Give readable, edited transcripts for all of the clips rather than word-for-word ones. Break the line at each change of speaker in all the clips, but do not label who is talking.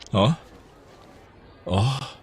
อ๋ออ๋อ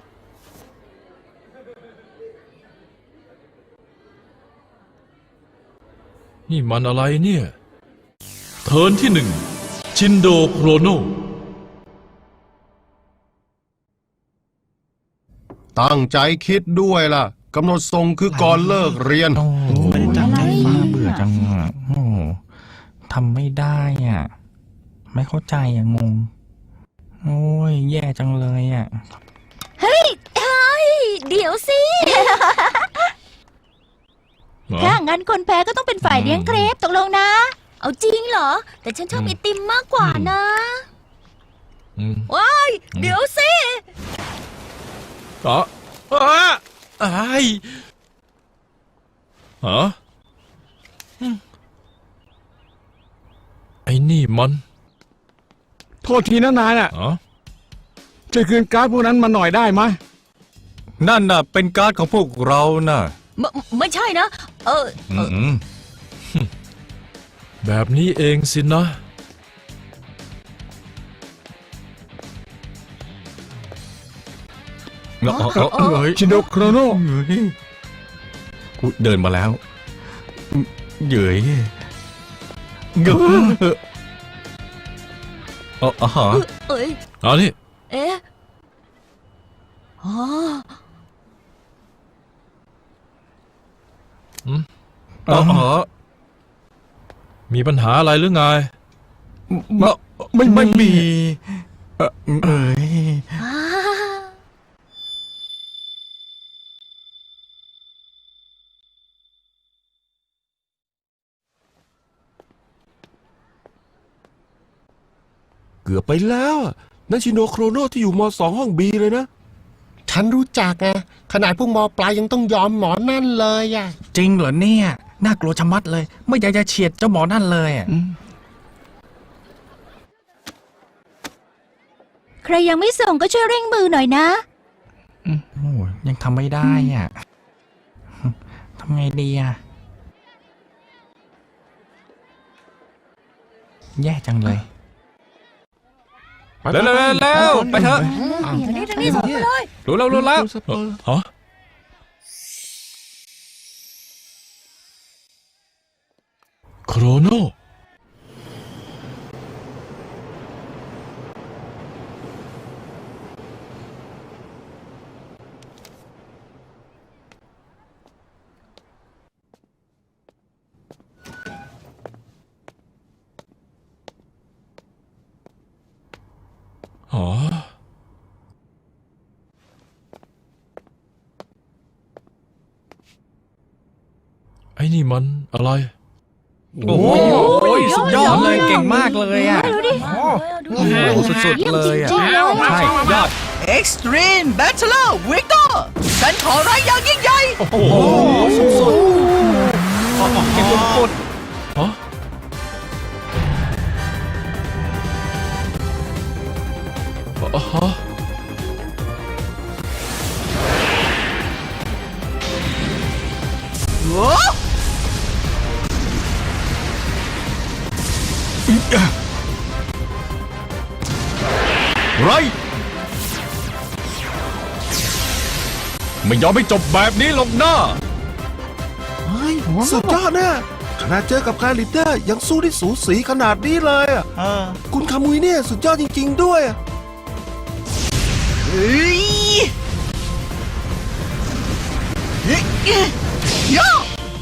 นี่มันอะไรเนี่ยเทิร์นที่1ชินโดโครโน
ตั้งใจคิดด้วยล่ะกำหนดส่งคือก่อนเลิกเรียน
โอ้ไม่ได้ตั้งใจฟังเบื่อจังอ่ะโอ้ทำไม่ได้อ่ะไม่เข้าใจอ่ะงงโอ้ยแย่จังเลยอ่ะ
เฮ้ยเดี๋ยวสิ
เหรอ
ถ้างั้นคนแพ้ก็ต้องเป็นฝ่ายเลี้ยงเครปตกลงนะ เอาจริงเหรอ แต่ฉันชอบไอติมมากกว่านะ
อืม
ว้าย เดี๋ยวสิ
อ๋อไอ้ฮะไอ้นี่มัน
โทษทีนะนายน่ะ
อ๋อ
ช่วยคืนการ์ดพวกนั้นมาหน่อยได้ไหม
นั่นน่ะเป็นการ์ดของพวกเราน่ะ
ไม่ใช่นะ
อืม
แบบนี้เองสินะ
เฮ้ย
ชินโดโครโน
กูเดินมาแล้วเหยื่อยเงืออ๋อฮะ
เอ้ย
เอานี่
เอ๊ะอ๋อ
อ๋อฮะ
มีปัญหาอะไรหรือไง
ไม่มีเอ้ย
อ่า
เกือบไปแล้วอะนั่นชินโดโครโนที่อยู่ม.2 ห้องบีเลยนะ
ฉันรู้จักไงขนาดพวกมปลายยังต้องยอมหมอนั่นเลยอ่ะ
จริงเหรอเนี่ยน่ากลัวชะมัดเลยไม่อยากจะเฉียดเจ้าหมอนั่นเลยอ่ะ
ใครยังไม่ส่งก็ช่วยเร่งมือหน่อยนะ
โอ้ยยังทำไม่ได้อ่ะทำไงดีอ่ะแย่จังเลย
แล้วไปเถอะ
ทางนี้ส่งไปเลย
รู้แล้ว
ฮะโครโนอ๋อไอ้นี่มันอะไร
โอ้ยสุดยอดเลยเก่งมากเลยอ่ะ
ดูดิ
โอ้โหสุดๆเลยอ่ะ
จริงๆเลย
ใช่ยอด
Extreme Bachelor Victor ฉันขอร้ายอย่างยิ่งใหญ่
โอ้โหสุดๆเก่งสุด
ฮะฮะ
โอ้
ไรไม่ยอมให้จบแบบนี้หรอกนะ
เฮ้ย สุดยอดนะขนาดเจอกับคาลิเตอร์ยังสู้ได้สูสีขนาดนี้เลยอะคุณคามุยเนี่ยสุดยอดจริงๆด้วยอะ
เฮ้ยเฮ้ยโย่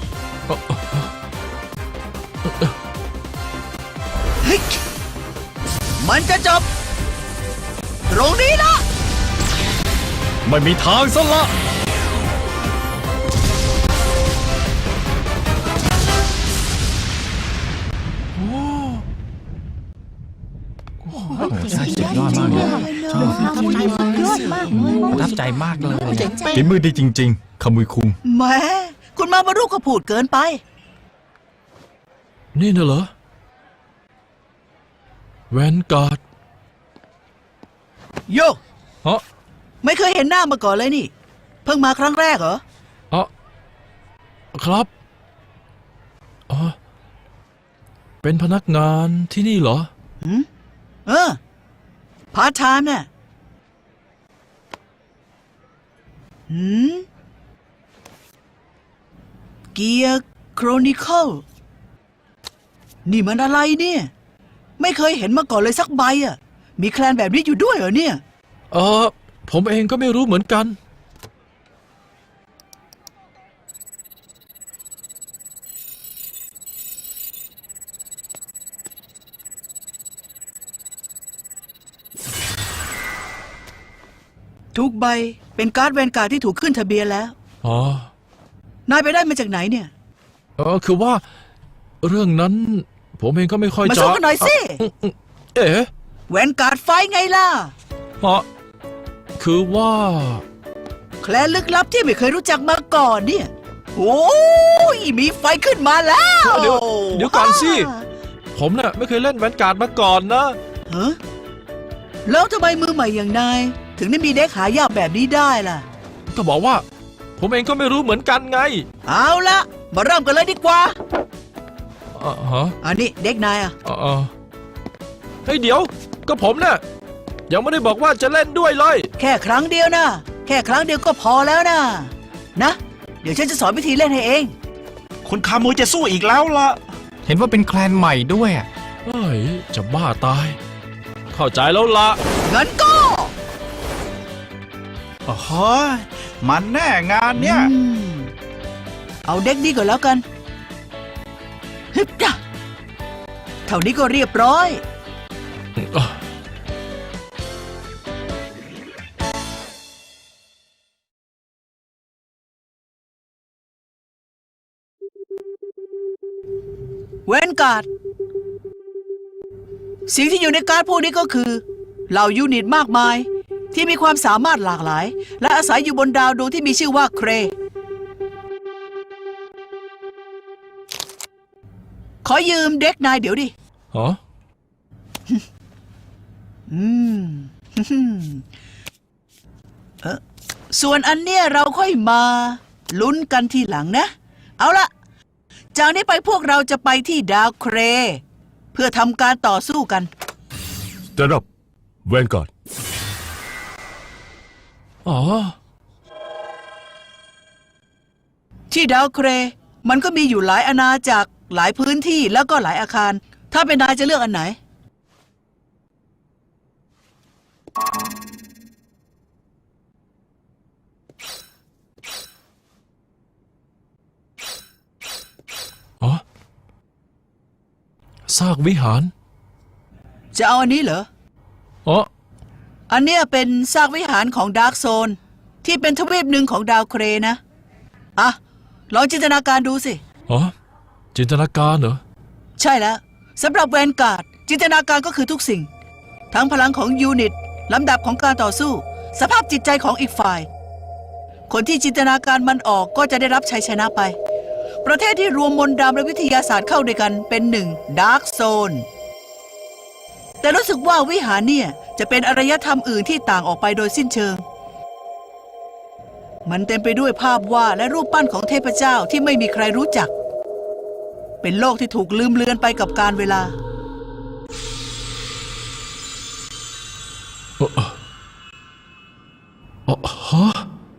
เฮ้ยมันจะจบ ตรงนี้ละ
ไม่มีทางซะละ
ใช่สุดยอดมากเลยชอบ
ยอดมากเลย
ประทับใจมากเลย
ฝีมือดีจริงๆขมุยคุง
แหม่คุณมารุก็พูดเกินไป
นี่น่ะเหรอแวนการ์ด
โย
ฮะ
ไม่เคยเห็นหน้ามาก่อนเลยนี่ เพิ่งมาครั้งแรกเหรอ
อ๋อครับอ๋อเป็นพนักงานที่นี่เหรอ
เออ พาร์ทไทม์เนี่ยหืมเกียร์โครนิเคิลนี่มันอะไรเนี่ย ไม่เคยเห็นมาก่อนเลยสักใบอ่ะ มีแคลนแบบนี้อยู่ด้วยเหรอเนี่ย
ผมเองก็ไม่รู้เหมือนกัน
ทุกใบเป็นการ์ดแวนการ์ดที่ถูกขึ้นทะเบียนแล้ว
อ๋อ
นายไปได้มาจากไหนเนี่ย
คือว่า เรื่องนั้น ผมเองก็ไม่ค่อย
มา
จะ
สู้กันหน่อยสิ
เอ๊ะ
แวนการ์ดไฟไงล่ะ
คือว่า
แคลนลึกลับที่ไม่เคยรู้จักมาก่อนเนี่ย โอ้ยมีไฟขึ้นมาแล้ว
เดี๋ยวก่อนสิ ผมเนี่ยไม่เคยเล่นแวนการ์ดมาก่อนนะ
ฮะแล้วทำไมมือใหม่อย่างนาย ถึงได้มีเด็กหายากแบบนี้ได้ล่ะ
ก็บอกว่า ผมเองก็ไม่รู้เหมือนกันไง
เอาละมาเริ่มกันเลยดีกว่า
ฮะ
อันนี้เด็กนายอ่ะ
เฮ้ยเดี๋ยว ก็ผมเนี่ยยังไม่ได้บอกว่าจะเล่นด้วยเลย
แค่ครั้งเดียวนะ แค่ครั้งเดียวก็พอแล้วนะ นะ เดี๋ยวฉันจะสอนวิธีเล่นให้เอง
คุณคามุยจะสู้อีกแล้วล่ะ
เห็นว่าเป็นแคลนใหม่ด้วยอะ
เฮ้ย จะบ้าตาย เข้าใจแล้วละ
งั้นก็
โอ้โหมันแน่งานเนี่ย
เอาเด็กนี้ก่อนแล้วกันฮึบจ้ะเท่านี้ก็เรียบร้อย เวนการ์ดสิ่งที่อยู่ในการ์ดพวกนี้ก็คือเหล่ายูนิตมากมายที่มีความสามารถหลากหลาย และอาศัยอยู่บนดาวดวงที่มีชื่อว่าเคร ขอยืมเด็กนายเดี๋ยวดิ
ฮะ
ส่วนอันเนี้ยเราค่อยมาลุ้นกันทีหลังนะ เอาละจากนี้ไปพวกเราจะไปที่ดาวเคร เพื่อทำการต่อสู้กัน
Stand up Vanguard
อ๋อ
ที่ดาวเครมันก็มีอยู่หลายอาณาจักรหลายพื้นที่แล้วก็หลายอาคาร ถ้าเป็นนายจะเลือกอันไหน
อ๋อซากวิหาร
จะเอาอันนี้เหรอ
อ๋อ
อันเนี้ยเป็นซากวิหารของดาร์กโซนที่เป็นทวีปหนึ่งของดาวเครนะ อ่ะ ลองจินตนาการดูสิ
อ๋อ จินตนาการเหรอ
ใช่แล้วสำหรับแวนการ์ดจินตนาการก็คือทุกสิ่ง ทั้งพลังของยูนิตลำดับของการต่อสู้ สภาพจิตใจของอีกฝ่าย คนที่จินตนาการมันออกก็จะได้รับชัยชนะไป ประเทศที่รวมมนต์ดำและวิทยาศาสตร์เข้าด้วยกันเป็นหนึ่งดาร์กโซนแต่รู้สึกว่าวิหารเนี่ยจะเป็นอารยธรรมอื่นที่ต่างออกไปโดยสิ้นเชิง มันเต็มไปด้วยภาพวาดและรูปปั้นของเทพเจ้าที่ไม่มีใครรู้จัก เป็นโลกที่ถูกลืมเลือนไปกับกาลเวลา
ฮะ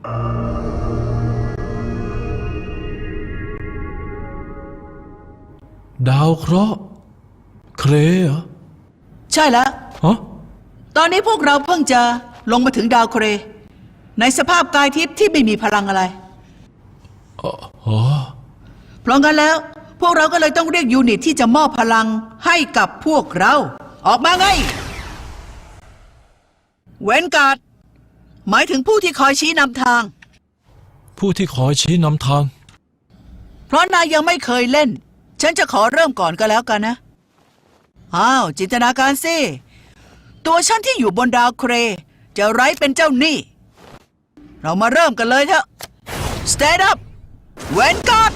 ดาวเคราะห์เครเหรอ
ใช่แล้ว
ฮะ
ตอนนี้พวกเราเพิ่งจะลงมาถึงดาวเคร ในสภาพกายทิพย์ที่ไม่มีพลังอะไร
อ๋อ
เพราะงั้นแล้วพวกเราก็เลยต้องเรียกยูนิตที่จะมอบพลังให้กับพวกเรา ออกมาไง เวนการ์ดหมายถึงผู้ที่คอยชี้นำทาง
ผู้ที่คอยชี้นำทาง
เพราะนายยังไม่เคยเล่น ฉันจะขอเริ่มก่อนก็แล้วกันนะ อ้าว จินตนาการสิ ตัวฉันที่อยู่บนดาวเครจะไร้เป็นเจ้าหนี้ เรามาเริ่มกันเลยเถอะ Stand up Vanguard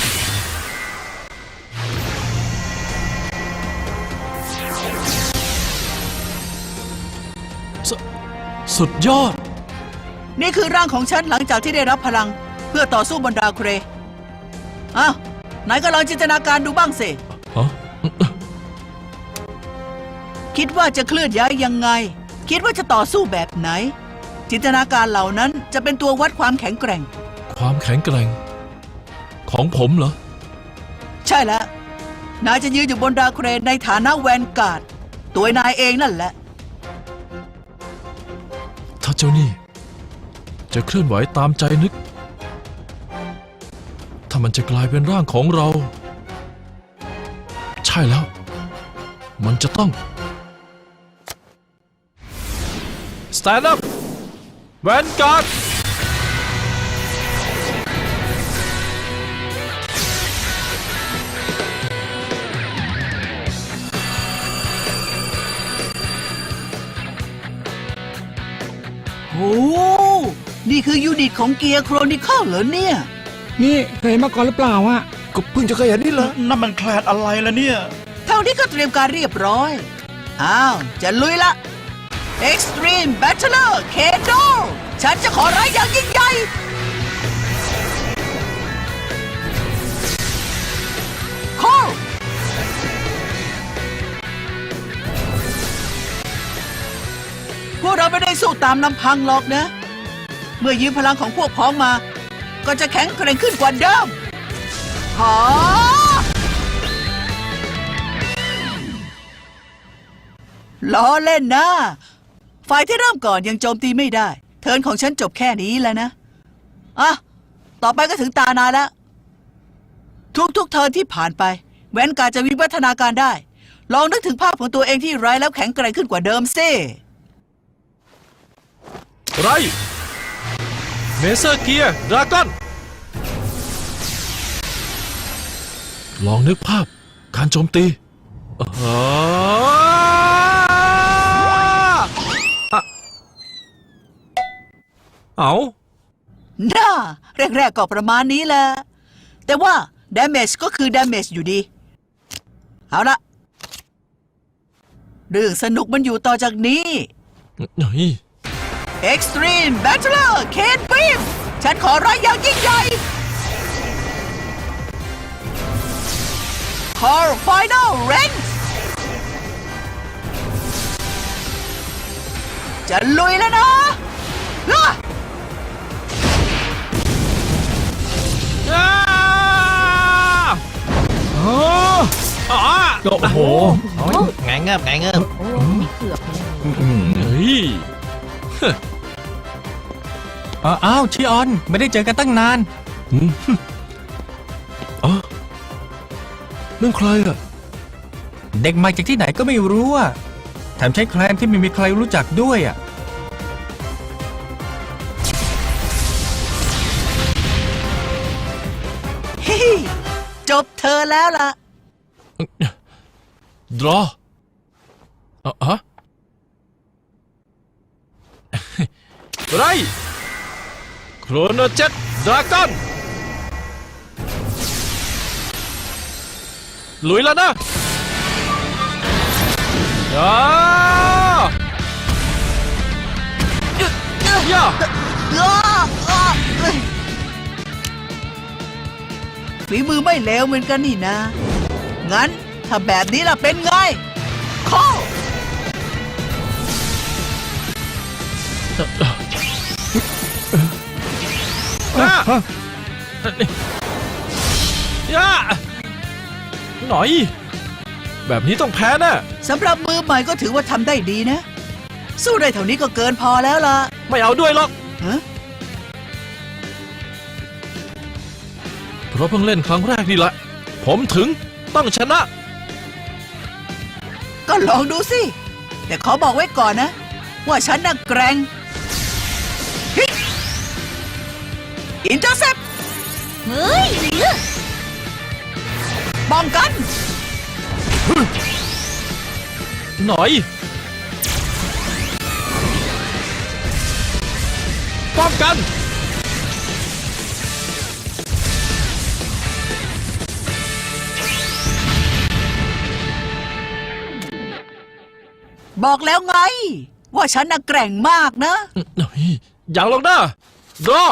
สุดยอด
นี่คือร่างของฉันหลังจากที่ได้รับพลังเพื่อต่อสู้บนดาวเคร อ้าวไหนก็ลองจินตนาการดูบ้างสิ
ฮะ
คิดว่าจะเคลื่อนย้ายยังไง คิดว่าจะต่อสู้แบบไหนจินตนาการเหล่านั้นจะเป็นตัววัดความแข็งแกร่ง
ความแข็งแกร่ง ของผมเหรอ
ใช่แล้ว นายจะยืนอยู่บนดาวเครนในฐานะแวนการ์ดตัวนายเองนั่นแหละ
ถ้าเจ้านี่ จะเคลื่อนไหวตามใจนึก ถ้ามันจะกลายเป็นร่างของเรา ใช่แล้ว มันจะต้อง Stand up Vanguard
โอ้นี่คือยูนิตของเกียร์โครนิเคิลเหรอเนี่ย
นี่เคยเห็นมาก่อนหรือเปล่าอะ
ก็เพิ่งจะเคยเห็นนี่เหรอ
นั่นมันแคลดอะไรล่ะเนี่ย
เท่านี้ก็เตรียมการเรียบร้อย อ้าว จะลุยละ Extreme Battler Kendo ฉันจะขอร้ายอย่างยิ่งใหญ่ Call พวกเราไม่ได้สู้ตามลำพังหรอกนะ เมื่อยืมพลังของพวกพ้องมา ก็จะแข็งแกร่งขึ้นกว่าเดิมหาล้อเล่นนะ ฝ่ายที่เริ่มก่อนยังโจมตีไม่ได้ เทิร์นของฉันจบแค่นี้แล้วนะ อ่ะ ต่อไปก็ถึงตานายแล้ว ทุกเทิร์นที่ผ่านไปแวนการ์ดจะวิวัฒนาการได้ ลองนึกถึงภาพของตัวเองที่ไร้แล้วแข็งแกร่งขึ้นกว่าเดิมสิ
ไรเมเซอร์เกียร์ดราก้อนลองนึกภาพการโจมตีเอา
น่าแรกๆก็ประมาณนี้แหละ แต่ว่า damage ก็คือ damage อยู่ดี เอาละเรื่องสนุกมันอยู่ต่อจากนี้
เฮ้ย
Extreme Battler Kane Beam ฉันขอร้ายอย่างยิ่งใหญ่ Call Final Range จะลุยแล้วนะล่ะ
โอ้โห
ไงเงิบไงเงิบ
โอ้ยเกือบเลย
เฮ้ย
อ้าวชิออนไม่ได้เจอกันตั้งนาน
นั่นใครอ่ะ
เด็กมาจากที่ไหนก็ไม่รู้อ่ะแถมใช้แคลนที่ไม่มีใครรู้จักด้วยอ่ะ
ฮิจบเธอแล้วล่ะ
ดรอฮะ ไรโครโนเจ็ตดราก้อนลุยแล้วนะย่า
ฝีมือไม่เลวเหมือนกันนี่นะ งั้นถ้าแบบนี้ล่ะเป็นไงข้
อย่าหน่อย แบบนี้ต้องแพ้แน่
สำหรับมือใหม่ก็ถือว่าทำได้ดีนะ สู้ได้เท่านี้ก็เกินพอแล้วล่ะ
ไม่เอาด้วยหรอก
ฮะ
เพราะเพิ่งเล่นครั้งแรกนี่แหละ ผมถึงต้องชนะ
ก็ลองดูสิ แต่ขอบอกไว้ก่อนนะ ว่าฉันน่ะแกร่งอินเตอร์เซป
เฮ้ย
ป้องกัน
หน่อย ป้องกัน
บอกแล้วไง ว่าฉันน่ะแกร่งมากนะ
อย่างลงนะรอ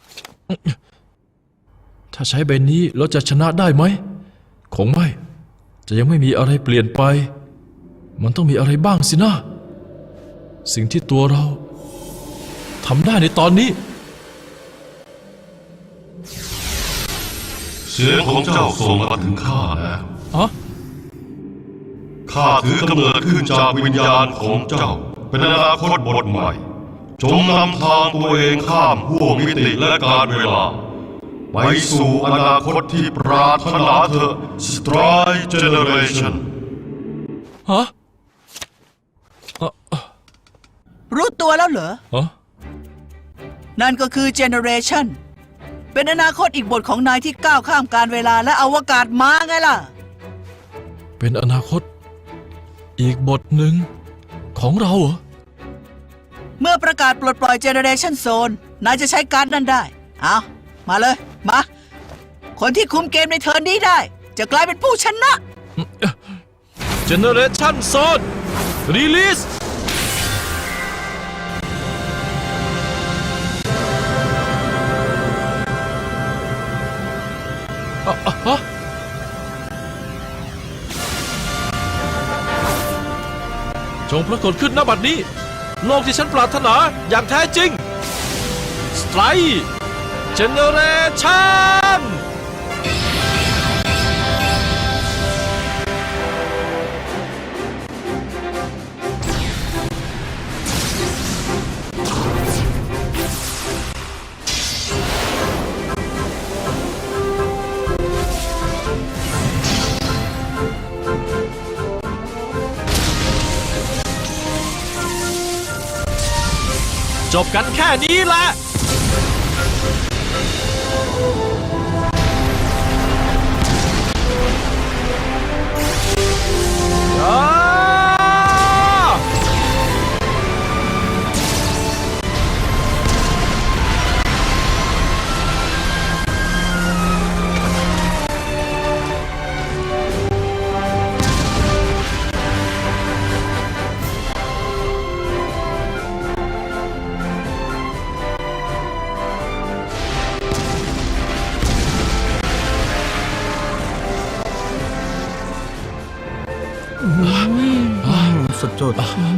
ถ้าใช้ใบนี้เราจะชนะได้ไหม คงไม่ จะยังไม่มีอะไรเปลี่ยนไป มันต้องมีอะไรบ้างสินะ สิ่งที่ตัวเราทำได้ในตอนนี้
เสียงของเจ้าส่งมาถึงข้าแล้ว
ฮะ
ข้าถือกำเนิดขึ้นจากวิญญาณของเจ้า เป็นอนาคตบทใหม่ จงนำทางตัวเองข้ามห่วงมิติและการเวลา ไปสู่อนาคตที่ปรารถนาเถอะ Stride Generation
ฮะ
รู้ตัวแล้วเหรอ
ฮะ
นั่นก็คือ Generation เป็นอนาคตอีกบทของนายที่ก้าวข้ามการเวลาและอวกาศมาไงล่ะ
เป็นอนาคต อีกบทหนึ่งของเราเหรอ
เมื่อประกาศปลดปล่อย Generation Zone นายจะใช้การ์ดนั้นได้ เอามาเลย มา คนที่คุมเกมในเทิร์นนี้ได้ จะกลายเป็นผู้ชนะ
Generation Zone Release ฮะจงปรากฏขึ้นณบัดนี้ โลกที่ฉันปรารถนาอย่างแท้จริง Stride Generation จบกันแค่นี้แหละ
สุดยอด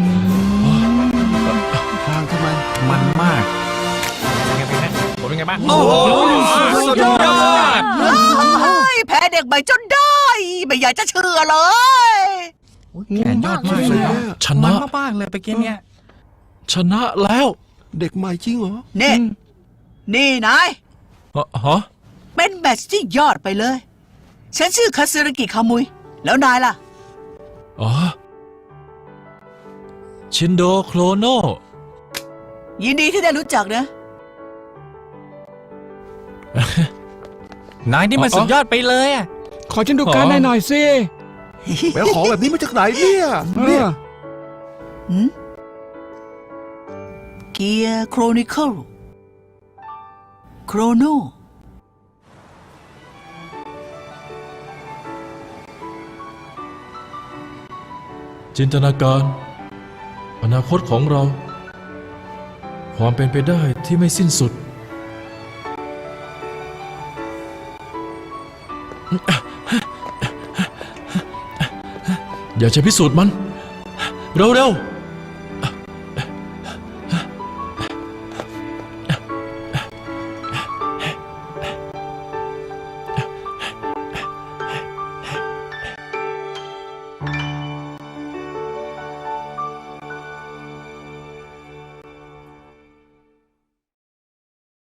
ทางทำไม
มันมากเป็นไงบ้าง
โอ้โหสุดยอด
เฮ้ยแพ้เด็กใหม่จนได้ ไม่อยากจะเชื่อเลย
แขนยอดมากเลยอะ
ชนะ
มันมากๆเลยไปเกมเนี้ย
ชนะแล้ว
เด็กใหม่จริงเหรอ
นี่นาย
ฮะ
เป็นแมตช์ที่ยอดไปเลย ฉันชื่อคาซึรากิคามุย แล้วนายล่ะ
อ๋อ ชินโดโครโน
ยินดีที่ได้รู้จักนะ
นายนี่มันสุดยอดไปเลยอะ
ขอฉันดูการ์ดหน่อยสิ
แปลของแบบนี้มาจากไหนเนี่ย เนี่ย
เกียร์โครนิเคิลโครโน
จินตนาการ อนาคตของเรา ความเป็นไปได้ที่ไม่สิ้นสุด อยากจะพิสูจน์มัน เร็วๆ